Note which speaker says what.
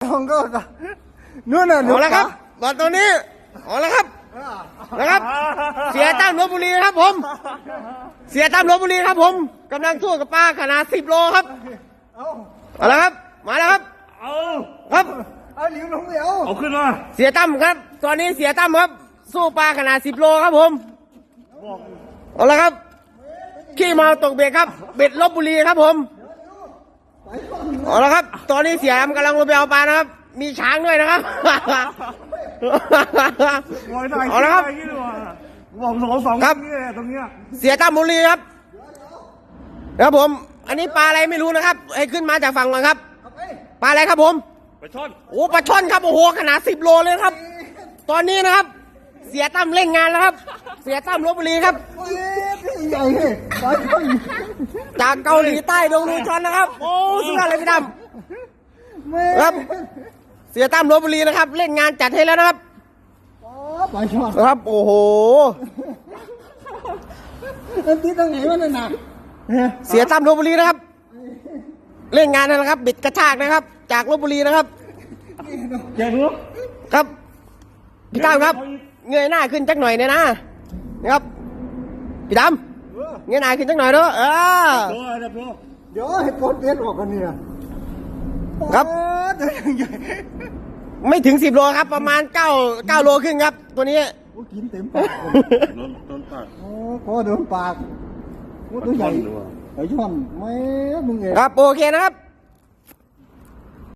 Speaker 1: องก็นู่นน่ะ
Speaker 2: เอาละครับตอนตัวนี้เอาละครับนะครับ เสียตั้มลพบุรีครับผม เสียตั้มลพบุรีครับผมกำลังสู้กับปลาขนาด10 โลครับเอาละครับมาแล้วครับ
Speaker 3: เอา
Speaker 2: ครับ
Speaker 1: เอาหลิวลงเดี๋ยว
Speaker 3: เอาขึ้นมา
Speaker 2: เสียตั้มครับ ตอนนี้เสียตั้มครับสู้ปลาขนาด10 โลครับผมเอาละครับขี้เมาตกเบ็ดครับเบ็ดลพบุรีครับผมเอาละครับ ตอนนี้เสียตั้มกำลังลงไปเอาปลานะครับ มีช้างด้วยนะครับ
Speaker 3: ลอยได้
Speaker 2: เอาละครับ
Speaker 3: บอกสอง
Speaker 2: ครับ
Speaker 3: ตรงเนี้ย
Speaker 2: เสียตั้มบุรีครับครับผม อันนี้ปลาอะไรไม่รู้นะครับ ให้ขึ้นมาจากฝั่งก่อนครับ ปลาอะไรครับผม
Speaker 3: ไปช่อน
Speaker 2: โอ้ปลาช่อนครับ โอ้โห ขนาด10 โลเลยครับ ตอนนี้นะครับ เสียตั้มเล่นงานแล้วครับ เสียตั้มลพบุรีครับ
Speaker 1: ใหญ่เลยปลาช่อน
Speaker 2: จากเกาหลีใต้ดงลูชอนนะครับ โอ้สุดยอดเลยพี่ตั้มครับ เสียตั้มลพบุรีนะครับ เล่นงานจัดให้แล้วนะครับ
Speaker 1: ปลาช่อน
Speaker 2: ครับ โอ้โห
Speaker 1: อันที่ตรงไหนวะนั่นน่ะ
Speaker 2: เสียตั้มลพบุรีนะครับ เล่นงานนะครับ บิดกระชากนะครับ จากลพบุรีนะครับ
Speaker 3: แกรู้
Speaker 2: ครับพี่ตั้มครับ เงยหน้าขึ้นจักหน่อยเนี่ยนะนะครับพี่ดำเงยหน้าขึ้นจักหน่อยเด้อ
Speaker 3: ตัวเดี๋ยวตัว
Speaker 1: เดี๋ยวให้ปลดเบ็ดออกกันเนี่ย
Speaker 2: ครับ
Speaker 1: ใหญ่
Speaker 2: ไม่ถึง10 โลครับ ประมาณ9 โลครึ่งครับ ตัวนี้
Speaker 1: โอ้กินเต็มปาก
Speaker 3: โดนปาก
Speaker 1: โอ้พอโดนปากโอ้ตัวใหญ่ปลาช่อนไม่มึงเอง
Speaker 2: ครับโอเคนะครับ